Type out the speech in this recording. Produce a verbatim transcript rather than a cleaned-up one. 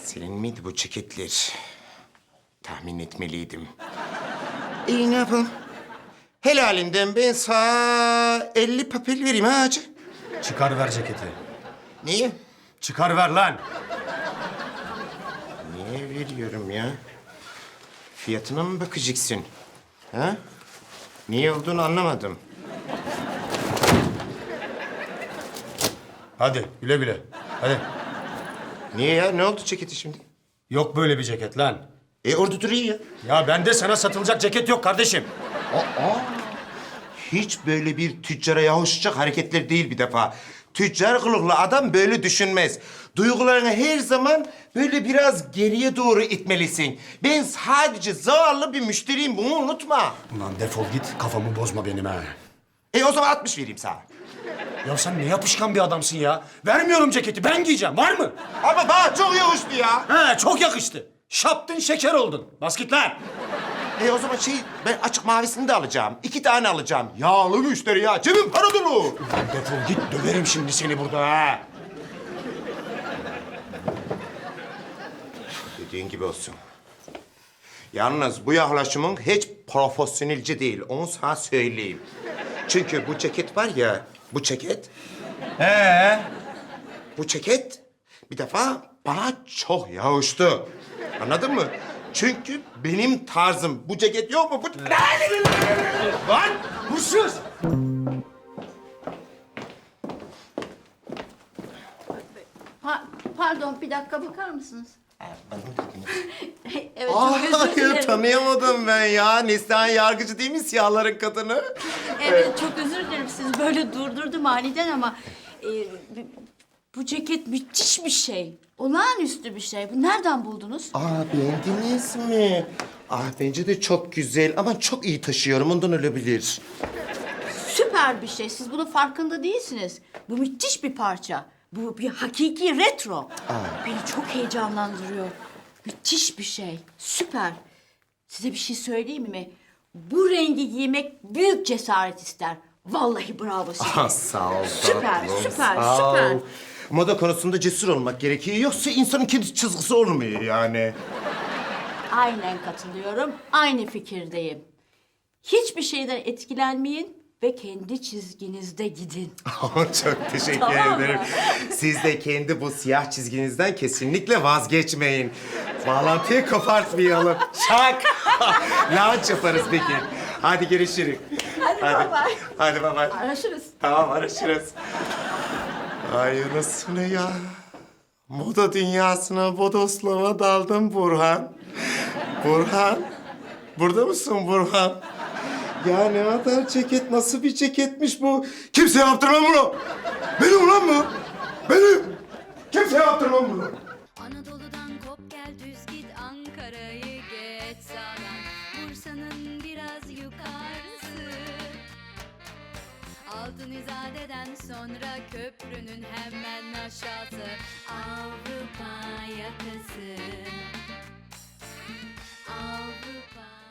Senin miydi bu ceketler? Tahmin etmeliydim. İyi, ne yapalım? Helalinden ben sana elli papel vereyim ha hacı. Çıkar ver ceketi. Niye? Çıkar ver lan. Niye veriyorum ya? Fiyatına mı bakacaksın? Ha? Niye olduğunu anlamadım. Hadi güle güle. Hadi. Niye ya? Ne oldu ceketi şimdi? Yok böyle bir ceket lan. E orada duruyor ya. Ya bende sana satılacak ceket yok kardeşim. Hiç böyle bir tüccara yavuşacak hareketler değil bir defa. Tüccar kılıklı adam böyle düşünmez. Duygularını her zaman böyle biraz geriye doğru itmelisin. Ben sadece zavallı bir müşteriyim, bunu unutma. Ulan defol git, kafamı bozma benim ha. E o zaman altmış vereyim sana. Ya sen ne yapışkan bir adamsın ya. Vermiyorum ceketi, ben giyeceğim. Var mı? Ama bana çok yakıştı ya. He, çok yakıştı. Şaptın şeker oldun. Bas git lan. E o zaman şey, ben açık mavisini de alacağım. İki tane alacağım. Yağlı müşteri ya, cebim para dolu. Ulan defol git, döverim şimdi seni burada ha. Dediğin gibi olsun. Yalnız bu yaklaşımın hiç profesyonelce değil, onu sana söyleyeyim. Çünkü bu ceket var ya, bu ceket, Ee? bu ceket bir defa bana çok yakıştı. Anladın mı? Çünkü benim tarzım. Bu ceket yok mu? Bu... Lan hırsız! Pa- pardon, bir dakika bakar mısınız? Evet, Aa, çok özür dilerim. tanıyamadım ben ya. Neslihan Yargıcı değil mi siyahların kadını? Evet, çok özür dilerim. Siz böyle durdurdum aniden ama... e, bu ceket müthiş bir şey. Olağanüstü bir şey. Bu nereden buldunuz? Aa, beğendiniz mi? Ah, bence de çok güzel ama çok iyi taşıyorum. Ondan olabilir. Süper bir şey. Siz bunun farkında değilsiniz. Bu müthiş bir parça. Bu bir hakiki retro. Beni çok heyecanlandırıyor. Müthiş bir şey. Süper. Size bir şey söyleyeyim mi? Bu rengi giymek büyük cesaret ister. Vallahi bravo size. Ah, sağ ol. Süper, tatlım, süper, sağ süper. ol. Moda konusunda cesur olmak gerekiyor. Yoksa insanın kendi çizgisi olmuyor yani. Aynen katılıyorum. Aynı fikirdeyim. Hiçbir şeyden etkilenmeyin ve kendi çizginizde gidin. Çok teşekkür Tamam mı? ederim. Siz de kendi bu siyah çizginizden kesinlikle vazgeçmeyin. Bağlantıyı kopartmayalım. Şak! Launch yaparız peki. Hadi görüşürüz. Hadi bye bye. Hadi bye bye. Araşırız. Tamam, arışırız. Ay anasını ya. Moda dünyasına bodoslama daldım Burhan. Burhan. Burada mısın Burhan? Ya ne kadar ceket, nasıl bir ceketmiş bu? Kimse yaptırmam bunu. Benim ulan bu. Benim. Kimse yaptırmam bunu. Anadolu'dan kop gel düz git Ankara'yı geç sağdan Bursa'nın biraz yukarısı Altın İzade'den sonra köprünün hemen aşağısı Avrupa yakası Avrupa